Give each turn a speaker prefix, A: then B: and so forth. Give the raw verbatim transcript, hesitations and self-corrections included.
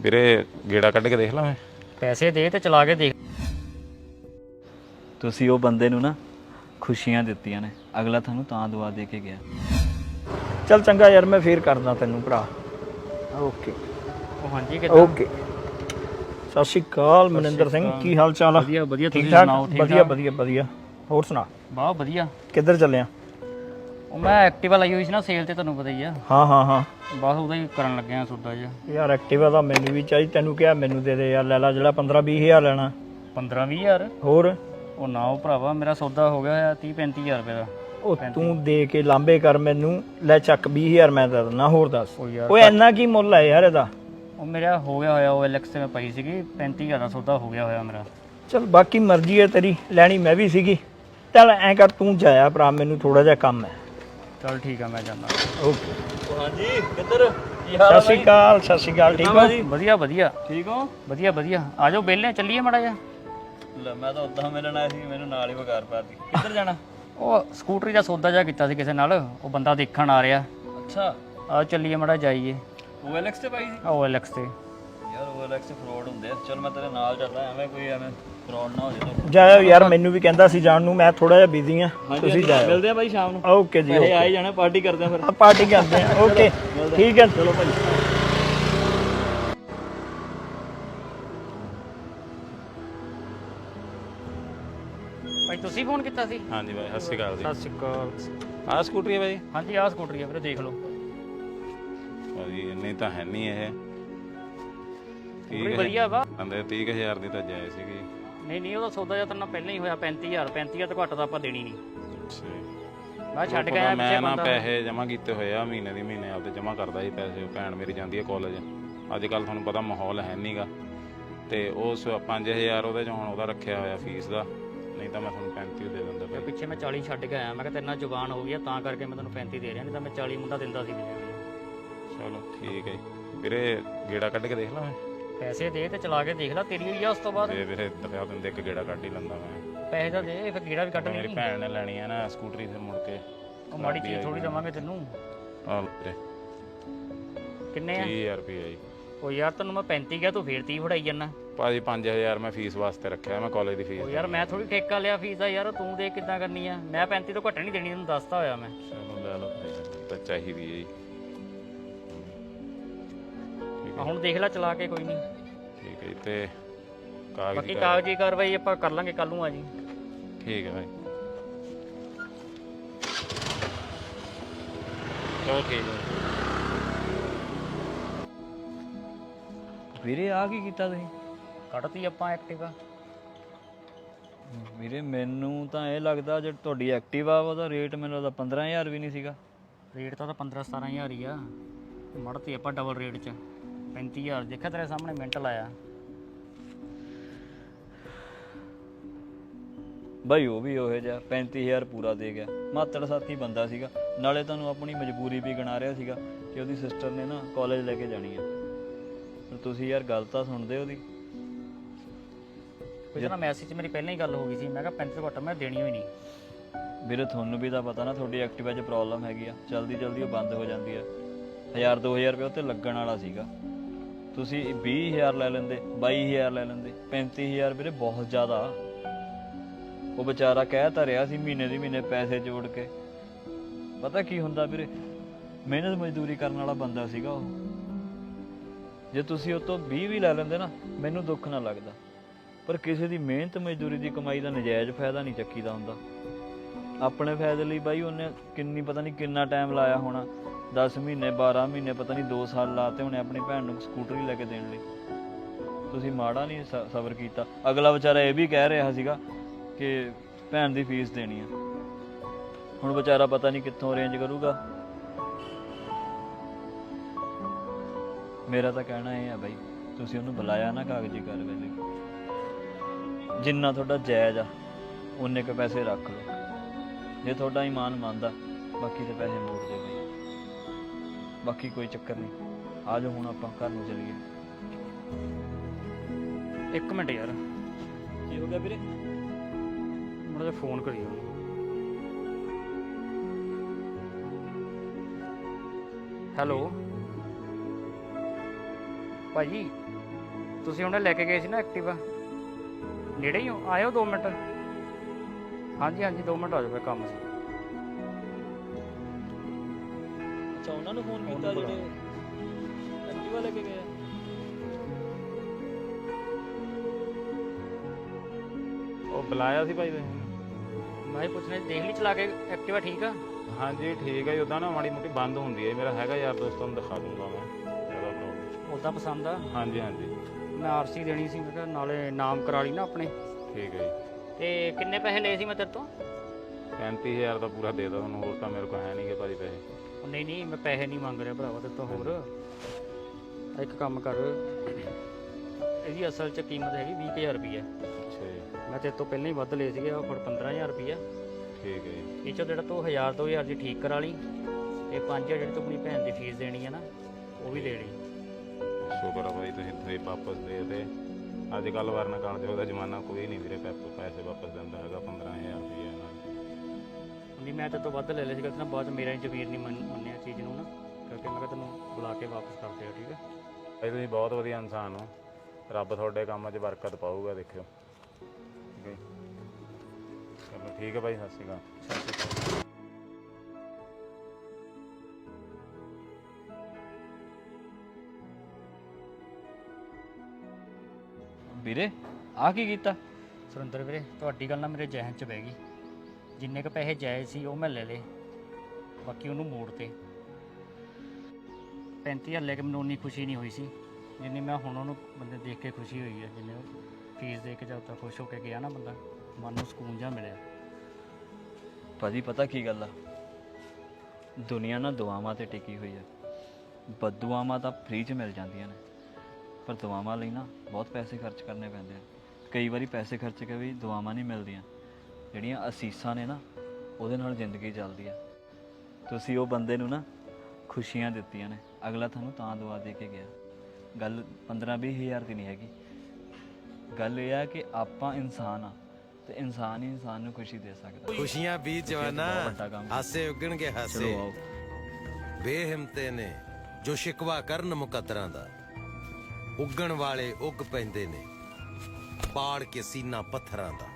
A: ਵੀਰੇ ਗੇੜਾ ਕੱਢ ਕੇ ਦੇਖ ਲਾਂ ਮੈਂ।
B: ਪੈਸੇ ਦੇ ਤੇ ਚਲਾ ਕੇ ਦੇਖ।
C: ਤੁਸੀਂ ਉਹ ਬੰਦੇ ਨੂੰ ਨਾ ਖੁਸ਼ੀਆਂ ਦਿੱਤੀਆਂ ਨੇ, ਅਗਲਾ ਤੁਹਾਨੂੰ ਤਾਂ ਦੁਆ ਦੇ ਕੇ ਗਿਆ।
D: ਚੱਲ ਚੰਗਾ ਯਾਰ, ਮੈਂ ਫੇਰ ਕਰਦਾ ਤੈਨੂੰ ਭਰਾ। ਓਕੇ
B: ਉਹ ਹਾਂਜੀ ਕਿੱਦਾਂ?
D: ਓਕੇ। ਸਤਿ ਸ਼੍ਰੀ ਅਕਾਲ ਮਨਿੰਦਰ ਸਿੰਘ, ਕੀ ਹਾਲ ਚਾਲ ਆ?
B: ਵਧੀਆ ਵਧੀਆ,
D: ਠੀਕ
B: ਤੁਸੀਂ
D: ਠਾਕ?
B: ਸੁਣਾਓ? ਠੀਕ
D: ਵਧੀਆ ਵਧੀਆ ਵਧੀਆ। ਹੋਰ ਸੁਣਾ?
B: ਬਹੁਤ ਵਧੀਆ।
D: ਕਿੱਧਰ ਚੱਲਿਆ?
B: ਉਹ ਮੈਂ ਐਕਟਿਵਾ ਲਈ ਹੋਈ ਸੀ ਨਾ ਸੇਲ ਤੇ, ਤੁਹਾਨੂੰ ਪਤਾ ਹੀ ਆ।
D: ਹਾਂ ਹਾਂ ਹਾਂ
B: ਬਸ ਉਹਦਾ ਹੀ ਕਰਨ ਲੱਗਿਆ ਸੌਦਾ ਜਿਹਾ।
D: ਯਾਰ ਐਕਟਿਵਾ ਦਾ ਮੈਨੂੰ ਵੀ ਚਾਹੀਦੀ, ਤੈਨੂੰ ਕਿਹਾ ਮੈਨੂੰ ਦੇ ਦੇ ਯਾਰ, ਲੈ ਲਾ ਜਿਹੜਾ ਪੰਦਰਾਂ ਵੀਹ ਹਜ਼ਾਰ ਲੈਣਾ।
B: ਪੰਦਰਾਂ ਵੀਹ ਹਜ਼ਾਰ?
D: ਹੋਰ
B: ਉਹ ਨਾ ਉਹ ਭਰਾਵਾ, ਮੇਰਾ ਸੌਦਾ ਹੋ ਗਿਆ ਹੋਇਆ ਤੀਹ ਪੈਂਤੀ ਹਜ਼ਾਰ ਰੁਪਏ ਦਾ।
D: ਉਹ ਤੂੰ ਦੇ ਕੇ ਲਾਂਬੇ ਕਰ ਮੈਨੂੰ, ਲੈ ਚੱਕ ਵੀਹ ਹਜ਼ਾਰ ਮੈਂ ਦੇ ਦਿੰਦਾ। ਹੋਰ ਦੱਸ
B: ਉਹ ਯਾਰ
D: ਓਏ ਇੰਨਾ ਕੀ ਮੁੱਲ ਹੈ ਯਾਰ ਇਹਦਾ?
B: ਉਹ ਮੇਰਾ ਹੋ ਗਿਆ ਹੋਇਆ, ਉਹ ਐਲਐਕਸ ਤੇ ਮੈਂ ਪਈ ਸੀਗੀ, ਪੈਂਤੀ ਹਜ਼ਾਰ ਦਾ ਸੌਦਾ ਹੋ ਗਿਆ ਹੋਇਆ ਮੇਰਾ।
D: ਚਲ ਬਾਕੀ ਮਰਜ਼ੀ ਹੈ ਤੇਰੀ, ਲੈਣੀ ਮੈਂ ਵੀ ਸੀਗੀ। ਚੱਲ ਐਂ ਕਰ, ਤੂੰ ਜਾਇਆ ਭਰਾ, ਮੈਨੂੰ ਥੋੜਾ ਜਿਹਾ ਕੰਮ ਹੈ।
B: ਚਲ ਠੀਕ ਆ, ਮੈਂ ਜਾਂਦਾ।
D: ਓਕੇ।
C: ਹਾਂਜੀ ਕਿੱਧਰ?
D: ਸਤਿ ਸ਼੍ਰੀ ਅਕਾਲ। ਸਤਿ ਸ਼੍ਰੀ ਅਕਾਲ। ਠੀਕ ਹੋ?
B: ਵਧੀਆ ਵਧੀਆ
C: ਠੀਕ ਹੋ?
B: ਵਧੀਆ ਵਧੀਆ। ਆ ਜਾਓ ਬੇਲੇ, ਚੱਲੀਏ ਮਾੜਾ ਜਿਹਾ।
C: ਲੈ ਮੈਂ ਤਾਂ ਉਦਾਂ ਮਿਲਣ ਆਇਆ ਸੀ, ਮੈਨੂੰ ਨਾਲ ਹੀ ਵਗਾਰ ਪਾਤੀ। ਕਿੱਧਰ ਜਾਣਾ?
B: ਉਹ ਸਕੂਟਰੀ ਦਾ ਸੌਦਾ ਜਿਹਾ ਕੀਤਾ ਸੀ ਕਿਸੇ ਨਾਲ, ਉਹ ਬੰਦਾ ਦੇਖਣ ਆ ਰਿਹਾ।
C: ਅੱਛਾ,
B: ਆ ਚੱਲੀਏ ਮਾੜਾ ਜਾਈਏ।
C: ਉਹ ਐਲਐਕਸ ਤੇ ਪਾਈ ਸੀ?
B: ਉਹ ਐਲਐਕਸ ਤੇ।
C: ਯਾਰ ਉਹ ਐਲਐਕਸ ਫਰੋਡ ਹੁੰਦੇ ਆ। ਚਲ ਮੈਂ ਤੇਰੇ ਨਾਲ ਚੱਲਦਾ, ਐਵੇਂ ਕੋਈ ਐਵੇਂ ਫਰੋਡ ਨਾ ਹੋ ਜਾਏ।
D: ਜਾਇਓ ਯਾਰ, ਮੈਨੂੰ ਵੀ ਕਹਿੰਦਾ ਸੀ ਜਾਣ ਨੂੰ, ਮੈਂ ਥੋੜਾ ਜਿਹਾ ਬਿਜ਼ੀ ਆ। ਤੁਸੀਂ ਜਾਇਓ।
C: ਮਿਲਦੇ ਆ ਬਾਈ ਸ਼ਾਮ ਨੂੰ।
D: ਓਕੇ ਜੀ,
C: ਪੈਸੇ ਆਏ ਜਾਣਾ, ਪਾਰਟੀ ਕਰਦੇ ਆ ਫਿਰ।
D: ਆ ਪਾਰਟੀ ਕਰਦੇ ਆ। ਓਕੇ ਠੀਕ ਹੈ, ਚਲੋ ਭਾਈ।
B: ਭਾਈ ਤੁਸੀਂ ਫੋਨ ਕੀਤਾ ਸੀ?
A: ਹਾਂਜੀ ਬਾਈ, ਸਤਿ ਸ਼੍ਰੀ ਅਕਾਲ ਜੀ।
B: ਸਤਿ ਸ਼੍ਰੀ ਅਕਾਲ।
A: ਆਹ ਸਕੂਟਰੀ ਹੈ ਬਾਈ?
B: ਹਾਂਜੀ ਆਹ ਸਕੂਟਰੀ ਆ ਵੀਰੇ, ਦੇਖ ਲਓ।
A: ਭਾਜੀ ਇੰਨੀ ਤਾਂ ਹੈ ਨਹੀਂ ਇਹ।
B: ਸਕੂਟਰੀ ਵਧੀਆ ਵਾ।
A: ਕਹਿੰਦੇ ਤੀਹ ਕੁ ਹਜ਼ਾਰ ਦੀ ਤਾਂ ਜਾਏ ਸੀਗੀ।
B: ਨਹੀਂ ਨਹੀਂ, ਉਹਦਾ ਸੌਦਾ ਜਿਹਾ ਤਾਂ ਨਾ ਪਹਿਲਾਂ ਹੀ ਹੋਇਆ ਪੈਂਤੀ ਹਜ਼ਾਰ। ਪੈਂਤੀ ਹਜ਼ਾਰ ਤੋਂ ਘੱਟ ਤਾਂ ਆਪਾਂ ਦੇਣੀ ਨਹੀਂ। ਮੈਂ ਛੱਡ ਕੇ ਆਇਆ ਪਿੱਛੇ
A: ਮੈਂ ਨਾ
B: ਬੰਦਾ।
A: ਪੈਸੇ ਜਮ੍ਹਾਂ ਕੀਤੇ ਹੋਏ ਆ, ਮਹੀਨੇ ਦੀ ਮਹੀਨੇ ਆਪਦੇ ਜਮ੍ਹਾਂ ਕਰਦਾ ਸੀ ਪੈਸੇ। ਉਹ ਭੈਣ ਮੇਰੀ ਜਾਂਦੀ ਹੈ ਕਾਲਜ। ਅੱਜ ਕੱਲ੍ਹ ਤੁਹਾਨੂੰ ਪਤਾ ਮਾਹੌਲ ਹੈ ਨਹੀਂਗਾ, ਤੇ ਉਸ ਪੰਜ ਹਜ਼ਾਰ ਉਹਦੇ 'ਚ ਹੁਣ ਉਹਦਾ ਰੱਖਿਆ ਹੋਇਆ ਫੀਸ ਦਾ, ਨਹੀਂ ਤਾਂ ਮੈਂ ਤੁਹਾਨੂੰ ਪੈਂਤੀ ਦੇ ਦਿੰਦਾ
B: ਤੇ
A: ਭਾਈ।
B: ਪਿੱਛੇ ਮੈਂ ਚਾਲੀ ਛੱਡ ਕੇ ਆਇਆ। ਮੈਂ ਕਿਹਾ ਤੇਰੇ ਨਾਲ ਜ਼ੁਬਾਨ ਹੋ ਗਈ ਆ, ਤਾਂ ਕਰਕੇ ਮੈਂ ਤੈਨੂੰ ਪੈਂਤੀ ਦੇ ਰਿਹਾ, ਨਹੀਂ ਤਾਂ ਮੈਂ ਚਾਲੀ ਮੁੰਡਾ ਦਿੰਦਾ ਸੀ ਵੀਰੇ।
A: ਚਲੋ ਠੀਕ ਹੈ ਜੀ। ਵੀਰੇ ਗੇੜਾ ਕੱਢ ਕੇ ਦੇਖ ਲਾਂ ਮੈਂ।
B: ਪੈਸੇ ਦੇ ਤੇ ਚਲਾ ਕੇ ਦੇਖ ਲੈ, ਤੇਰੀ ਹੋਈ ਆ ਉਸ ਤੋਂ ਬਾਅਦ।
A: ਤੇ ਵੀਰੇ ਦਰਿਆ ਦਿੰਦੇ ਇੱਕ ਗੇੜਾ ਕੱਢ ਹੀ ਲੈਂਦਾ ਮੈਂ।
B: ਪੈਸੇ ਤਾਂ ਦੇ, ਫਿਰ ਗੇੜਾ ਵੀ ਕੱਢ
A: ਮੇਰੀ
B: ਲਈ।
A: ਭੈਣ ਨੇ ਲੈਣੀ ਹੈ ਨਾ ਸਕੂਟਰੀ, ਫਿਰ ਮੁੜ ਕੇ
B: ਉਹ ਮਾੜੀ ਚੀਜ਼ ਥੋੜੀ ਦੇਵਾਂਗੇ ਤੈਨੂੰ।
A: ਆਹ ਵੀਰੇ
B: ਕਿੰਨੇ ਆ?
A: ਤੀਹ ਹਜ਼ਾਰ ਰੁਪਏ ਜੀ।
B: ਉਹ ਯਾਰ ਤੈਨੂੰ ਮੈਂ ਪੈਂਤੀ ਕਿਹਾ, ਤੂੰ ਫੇਰ ਤੀਹ ਫੜਾਈ ਜਾਂਦਾ।
A: ਭਾਜੀ ਪੰਜ ਹਜ਼ਾਰ ਮੈਂ ਫੀਸ ਵਾਸਤੇ ਰੱਖਿਆ, ਮੈਂ ਕਾਲਜ ਦੀ ਫੀਸ।
B: ਉਹ ਯਾਰ ਮੈਂ ਥੋੜੀ ਠੇਕਾ ਲਿਆ ਫੀਸ ਦਾ ਯਾਰ, ਤੂੰ ਦੇ ਕਿੱਦਾਂ ਕਰਨੀ ਆ? ਮੈਂ ਪੈਂਤੀ ਤੋਂ ਘੱਟ ਨਹੀਂ ਦੇਣੀ, ਤੈਨੂੰ ਦੱਸਤਾ ਹੋਇਆ ਮੈਂ।
A: ਚਲੋ ਲੈ ਲਓ ਭਾਈ, ਤਾਂ ਚਾਹੀਦੀ ਹੈ ਜੀ।
B: ਆ ਹੁਣ ਦੇਖ ਲੈ ਚਲਾ ਕੇ, ਕੋਈ ਨਹੀਂ।
A: ਠੀਕ ਹੈ ਜੀ। ਤੇ ਕਾਗਜ਼
B: ਬਾਕੀ ਕਾਗਜ਼ੀ ਕਾਰਵਾਈ ਆਪਾਂ ਕਰ ਲਾਂਗੇ ਕੱਲ ਨੂੰ। ਆ ਜੀ।
A: ਠੀਕ ਹੈ ਭਾਈ। ਚਲੋ ਠੀਕ ਹੈ
C: ਵੀਰੇ ਆ ਕੀ ਕੀਤਾ ਤੁਸੀਂ?
B: ਕੱਢਤੀ ਆਪਾਂ ਐਕਟਿਵਾ।
C: ਵੀਰੇ ਮੈਨੂੰ ਤਾਂ ਇਹ ਲੱਗਦਾ ਜੇ ਤੁਹਾਡੀ ਐਕਟਿਵਾ ਉਹਦਾ ਰੇਟ ਮੈਨੂੰ ਲੱਗਦਾ ਪੰਦਰਾਂ ਹਜ਼ਾਰ ਵੀ ਨਹੀਂ ਸੀਗਾ।
B: ਰੇਟ ਤਾਂ ਪੰਦਰਾਂ ਸਤਾਰਾਂ ਹਜ਼ਾਰ ਹੀ ਆ। ਮੜਤੀ ਆਪਾਂ ਡਬਲ ਰੇਟ 'ਚ ਪੈਂਤੀ ਹਜ਼ਾਰ। ਦੇਖਿਆ ਤੇਰੇ ਸਾਹਮਣੇ ਮਿੰਟ ਲਾਇਆ।
C: ਬਾਈ ਉਹ ਵੀ ਉਹੋ ਜਿਹਾ ਪੈਂਤੀ ਹਜ਼ਾਰ ਪੂਰਾ ਦੇ ਗਿਆ। ਮਾਤੜ ਸਾਥੀ ਬੰਦਾ ਸੀਗਾ, ਨਾਲੇ ਤੁਹਾਨੂੰ ਆਪਣੀ ਮਜਬੂਰੀ ਵੀ ਗਿਣਾ ਰਿਹਾ ਸੀਗਾ ਕਿ ਉਹਦੀ ਸਿਸਟਰ ਨੇ ਨਾ ਕਾਲਜ ਲੈ ਕੇ ਜਾਣੀ ਆ। ਤੁਸੀਂ ਯਾਰ ਗੱਲ ਤਾਂ ਸੁਣਦੇ ਉਹਦੀ।
B: ਕੋਈ ਨਾ ਮੈਸੇਜ 'ਚ ਮੇਰੀ ਪਹਿਲਾਂ ਹੀ ਗੱਲ ਹੋ ਗਈ ਸੀ, ਮੈਂ ਕਿਹਾ ਪੈਂਤੀ ਤੋਂ ਘੱਟ ਮੈਂ ਦੇਣੀ ਹੋਈ ਨਹੀਂ।
C: ਵੀਰੇ ਤੁਹਾਨੂੰ ਵੀ ਤਾਂ ਪਤਾ ਨਾ ਤੁਹਾਡੀ ਐਕਟਿਵਾ 'ਚ ਪ੍ਰੋਬਲਮ ਹੈਗੀ ਆ, ਜਲਦੀ ਜਲਦੀ ਉਹ ਬੰਦ ਹੋ ਜਾਂਦੀ ਆ। ਹਜ਼ਾਰ ਦੋ ਹਜ਼ਾਰ ਰੁਪਏ ਉੱਤੇ ਲੱਗਣ ਵਾਲਾ ਸੀਗਾ, ਤੁਸੀਂ ਵੀਹ ਹਜ਼ਾਰ ਲੈ ਲੈਂਦੇ, ਬਾਈ ਹਜ਼ਾਰ ਲੈ ਲੈਂਦੇ। ਪੈਂਤੀ ਹਜ਼ਾਰ ਵੀਰੇ ਬਹੁਤ ਜ਼ਿਆਦਾ। ਉਹ ਵਿਚਾਰਾ ਕਹਿ ਤਾਂ ਰਿਹਾ ਸੀ ਮਹੀਨੇ ਦੀ ਮਹੀਨੇ ਪੈਸੇ ਜੋੜ ਕੇ। ਪਤਾ ਕੀ ਹੁੰਦਾ ਵੀਰੇ, ਮਿਹਨਤ ਮਜ਼ਦੂਰੀ ਕਰਨ ਵਾਲਾ ਬੰਦਾ ਸੀਗਾ ਉਹ। ਜੇ ਤੁਸੀਂ ਉਹ ਤੋਂ ਵੀਹ ਵੀ ਲੈ ਲੈਂਦੇ ਨਾ, ਮੈਨੂੰ ਦੁੱਖ ਨਾ ਲੱਗਦਾ, ਪਰ ਕਿਸੇ ਦੀ ਮਿਹਨਤ ਮਜ਼ਦੂਰੀ ਦੀ ਕਮਾਈ ਦਾ ਨਜਾਇਜ਼ ਫਾਇਦਾ ਨਹੀਂ ਚੱਕੀਦਾ ਹੁੰਦਾ। ਆਪਣੇ ਫਾਇਦੇ ਲਈ ਬਾਈ ਉਹਨੇ ਕਿੰਨੀ ਪਤਾ ਨਹੀਂ ਕਿੰਨਾ ਟਾਈਮ ਲਾਇਆ ਹੋਣਾ, ਦਸ ਮਹੀਨੇ ਬਾਰਾਂ ਮਹੀਨੇ ਪਤਾ ਨਹੀਂ ਦੋ ਸਾਲ ਲਾਤੇ ਹੋਣੇ ਆਪਣੀ ਭੈਣ ਨੂੰ ਸਕੂਟਰੀ ਲੈ ਕੇ ਦੇਣ ਲਈ। ਤੁਸੀਂ ਮਾੜਾ ਨਹੀਂ ਸ ਸਬਰ ਕੀਤਾ। ਅਗਲਾ ਵਿਚਾਰਾ ਇਹ ਵੀ ਕਹਿ ਰਿਹਾ ਸੀਗਾ ਕਿ ਭੈਣ ਦੀ ਫੀਸ ਦੇਣੀ ਆ। ਹੁਣ ਵਿਚਾਰਾ ਪਤਾ ਨਹੀਂ ਕਿੱਥੋਂ ਅਰੇਂਜ ਕਰੂਗਾ। ਮੇਰਾ ਤਾਂ ਕਹਿਣਾ ਇਹ ਆ ਬਾਈ, ਤੁਸੀਂ ਉਹਨੂੰ ਬੁਲਾਇਆ ਨਾ ਕਾਗਜ਼ੀ ਕਾਰਵਾਈ ਲਈ, ਜਿੰਨਾ ਤੁਹਾਡਾ ਜਾਇਜ਼ ਆ ਉਨੇ ਕੁ ਪੈਸੇ ਰੱਖ ਲਓ। ਜੇ ਤੁਹਾਡਾ ਈਮਾਨ ਮੰਨਦਾ ਬਾਕੀ ਦੇ ਪੈਸੇ ਮੋੜ ਦੇ ਬਾਈ। ਬਾਕੀ ਕੋਈ ਚੱਕਰ ਨਹੀਂ। ਆ ਜਾਓ ਹੁਣ ਆਪਾਂ ਘਰ ਨੂੰ ਚੱਲੀਏ।
B: ਇੱਕ ਮਿੰਟ ਯਾਰ,
C: ਕੀ ਹੋ ਗਿਆ ਵੀਰੇ?
B: ਮੁੰਡੇ ਦਾ ਫੋਨ ਕਰੀ ਉਹਨੂੰ। ਹੈਲੋ ਭਾਜੀ ਤੁਸੀਂ ਉਹਨੇ ਲੈ ਕੇ ਗਏ ਸੀ ਨਾ ਐਕਟਿਵਾ, ਨੇੜੇ ਹੀ ਹੋ, ਆਇਓ ਦੋ ਮਿੰਟ। ਹਾਂਜੀ ਹਾਂਜੀ ਦੋ ਮਿੰਟ ਆ ਜਾਓ, ਕੰਮ ਸੀ।
C: ਅੱਛਾ ਉਹਨਾਂ ਨੂੰ ਫੋਨ
B: ਉਹਨੂੰ
C: ਕੀਤਾ
B: ਬੁਲਾ।
C: ਜਿਹੜੇ ਐਕਟਿਵਾ ਲੈ ਕੇ ਗਏ ਆ?
A: ਉਹ ਬੁਲਾਇਆ ਸੀ ਭਾਈ ਤੁਸੀਂ?
B: ਮੈਂ ਹੀ ਪੁੱਛਣਾ ਸੀ, ਦੇਖ ਲਈ ਚਲਾ ਕੇ ਐਕਟਿਵਾ ਠੀਕ ਆ?
A: ਹਾਂਜੀ ਠੀਕ ਹੈ ਜੀ। ਉੱਦਾਂ ਨਾ ਮਾੜੀ ਮੋਟੀ ਬੰਦ ਹੁੰਦੀ ਹੈ। ਮੇਰਾ ਹੈਗਾ ਯਾਰ ਦੋਸਤ, ਨੂੰ ਦਿਖਾ ਦੂੰਗਾ ਮੈਂ, ਜ਼ਿਆਦਾ ਪ੍ਰੋਬਲਮ।
B: ਉੱਦਾਂ ਪਸੰਦ ਆ?
A: ਹਾਂਜੀ ਹਾਂਜੀ
B: ਮੈਂ ਆਰਸੀ ਦੇਣੀ ਸੀ, ਮੈਂ ਕਿਹਾ ਨਾਲੇ ਨਾਮ ਕਰਾ ਲਈ ਨਾ ਆਪਣੇ।
A: ਠੀਕ ਹੈ ਜੀ।
B: ਤੇ ਕਿੰਨੇ ਪੈਸੇ ਲਏ ਸੀ ਮੈਂ ਤੇਰੇ ਤੋਂ?
A: ਪੈਂਤੀ ਹਜ਼ਾਰ ਦਾ ਪੂਰਾ ਦੇ ਤਾ ਤੁਹਾਨੂੰ, ਹੋਰ ਤਾਂ ਮੇਰੇ ਕੋਲ ਹੈ ਨਹੀਂ ਗੇ ਭਾਜੀ ਪੈਸੇ।
B: ਉਹ ਨਹੀਂ ਨਹੀਂ ਮੈਂ ਪੈਸੇ ਨਹੀਂ ਮੰਗ ਰਿਹਾ ਭਰਾਵਾ ਤੇਰੇ ਤੋਂ। ਹੋਰ ਇੱਕ ਕੰਮ ਕਰ, ਇਹਦੀ ਅਸਲ 'ਚ ਕੀਮਤ ਹੈਗੀ ਵੀਹ ਕੁ ਹਜ਼ਾਰ ਰੁਪਈਆ।
A: ਅੱਛਾ ਜੀ।
B: ਮੈਂ ਤੇਰੇ ਤੋਂ ਪਹਿਲਾਂ ਹੀ ਵੱਧ ਲਏ ਸੀਗੇ, ਉਹ ਫੜ ਪੰਦਰਾਂ ਹਜ਼ਾਰ ਰੁਪਈਆ।
A: ਠੀਕ ਹੈ ਜੀ।
B: ਇਹ 'ਚੋਂ ਜਿਹੜਾ ਤੂੰ ਹਜ਼ਾਰ ਦੋ ਹਜ਼ਾਰ ਦੀ ਠੀਕ ਕਰਾ ਲਈ, ਤੇ ਪੰਜ ਹਜ਼ਾਰ ਜਿਹੜੀ ਤੂੰ ਆਪਣੀ ਭੈਣ ਦੀ ਫੀਸ ਦੇਣੀ ਹੈ ਨਾ, ਉਹ ਵੀ ਦੇ ਲਈ।
A: ਸ਼ੁਕਰ ਆ ਭਾਈ ਤੁਸੀਂ ਤੁਸੀਂ ਵਾਪਸ ਦੇ ਤੇ। ਅੱਜ ਕੱਲ੍ਹ ਵਰਨ ਕਾਲ ਉਹਦਾ ਜ਼ਮਾਨਾ ਕੋਈ ਨਹੀਂ ਵੀਰੇ ਪੈਪ ਪੈਸੇ ਵਾਪਸ ਦਿੰਦਾ ਹੈਗਾ। ਪੰਦਰਾਂ ਹਜ਼ਾਰ ਰੁਪਈਆ ਨਾਲ
B: ਨਹੀਂ ਮੈਂ ਤੇਰੇ ਤੋਂ ਵੱਧ ਲੈ ਲਿਆ ਸੀਗਾ, ਤੇ ਨਾ ਬਾਅਦ 'ਚ ਮੇਰਾ ਹੀ ਜ਼ਮੀਰ ਨਹੀਂ ਮੰਨ- ਮੰਨਿਆ ਚੀਜ਼ ਨੂੰ ਨਾ, ਕਰਕੇ ਮੈਂ ਕਿਹਾ ਤੈਨੂੰ ਬੁਲਾ ਕੇ ਵਾਪਸ ਕਰ ਦਿਓ। ਠੀਕ ਹੈ
A: ਭਾਈ ਤੁਸੀਂ ਬਹੁਤ ਵਧੀਆ ਇਨਸਾਨ ਹੋ। ਰੱਬ ਤੁਹਾਡੇ ਕੰਮਾਂ 'ਚ ਬਰਕਤ ਪਾਊਗਾ, ਦੇਖਿਓ। ਠੀਕ ਹੈ ਜੀ। ਚਲੋ ਠੀਕ ਹੈ ਭਾਈ, ਸਤਿ ਸ਼੍ਰੀ ਅਕਾਲ।
C: ਵੀਰੇ ਆ ਕੀ ਕੀਤਾ?
B: ਸੁਰਿੰਦਰ ਵੀਰੇ ਤੁਹਾਡੀ ਗੱਲ ਨਾ ਮੇਰੇ ਜ਼ਿਹਨ 'ਚ ਬਹਿ ਗਈ। ਜਿੰਨੇ ਕੁ ਪੈਸੇ ਜਾਇਜ਼ ਸੀ ਉਹ ਮੈਂ ਲੈ ਲਏ, ਬਾਕੀ ਉਹਨੂੰ ਮੋੜ ਤੇ। ਪੈਂਤੀ ਹਜ਼ਾਰ ਲੈ ਕੇ ਮੈਨੂੰ ਉਨੀ ਖੁਸ਼ੀ ਨਹੀਂ ਹੋਈ ਸੀ ਜਿੰਨੀ ਮੈਂ ਹੁਣ ਉਹਨੂੰ ਬੰਦੇ ਦੇਖ ਕੇ ਖੁਸ਼ੀ ਹੋਈ ਹੈ। ਜਿੰਨੇ ਉਹ ਫੀਸ ਦੇ ਕੇ ਜਦ ਤੱਕ ਖੁਸ਼ ਹੋ ਕੇ ਗਿਆ ਨਾ ਬੰਦਾ, ਮਨ ਨੂੰ ਸਕੂਨ ਜਿਹਾ ਮਿਲਿਆ।
C: ਭਾਜੀ ਪਤਾ ਕੀ ਗੱਲ ਆ, ਦੁਨੀਆ ਨਾ ਦੁਆਵਾਂ ਤੇ ਟਿਕੀ ਹੋਈ ਆ। ਬਦਦੁਆਵਾਂ ਤਾਂ ਫ੍ਰੀ 'ਚ ਮਿਲ ਜਾਂਦੀਆਂ ਨੇ, ਪਰ ਦੁਆਵਾਂ ਲਈ ਨਾ ਬਹੁਤ ਪੈਸੇ ਖਰਚ ਕਰਨੇ ਪੈਂਦੇ ਆ। ਕਈ ਵਾਰੀ ਪੈਸੇ ਖਰਚ ਕੇ ਵੀ ਦੁਆਵਾਂ ਨਹੀਂ ਮਿਲਦੀਆਂ। ਜਿਹੜੀਆਂ ਅਸੀਸਾਂ ਨੇ ਨਾ, ਉਹਦੇ ਨਾਲ ਜ਼ਿੰਦਗੀ ਚੱਲਦੀ ਆ। ਤੁਸੀਂ ਉਹ ਬੰਦੇ ਨੂੰ ਨਾ ਖੁਸ਼ੀਆਂ ਦਿੱਤੀਆਂ ਨੇ, ਅਗਲਾ ਤੁਹਾਨੂੰ ਤਾਂ ਦੁਆ ਦੇ ਕੇ ਗਿਆ। ਗੱਲ ਪੰਦਰਾਂ ਵੀਹ ਹਜ਼ਾਰ ਦੀ ਨਹੀਂ ਹੈਗੀ। ਗੱਲ ਇਹ ਆ ਕਿ ਆਪਾਂ ਇਨਸਾਨ ਆ, ਤੇ ਇਨਸਾਨ ਹੀ ਇਨਸਾਨ ਨੂੰ ਖੁਸ਼ੀ ਦੇ ਸਕਦਾ।
E: ਖੁਸ਼ੀਆਂ ਵੀ ਜਵਾਨਾ
C: ਵੱਡਾ ਕੰਮ।
E: ਹਾਸੇ ਉੱਗਣਗੇ ਹਾਸੇ।
C: ਚਲੋ ਆਓ।
E: ਬੇਹਿੰਮਤੇ ਨੇ ਜੋ ਸ਼ਿਕਵਾ ਕਰਨ ਮੁਕੱਦਰਾਂ ਦਾ, ਉੱਗਣ ਵਾਲੇ ਉੱਗ ਪੈਂਦੇ ਨੇ ਪਾੜ ਕੇ ਸੀਨਾ ਪੱਥਰਾਂ ਦਾ।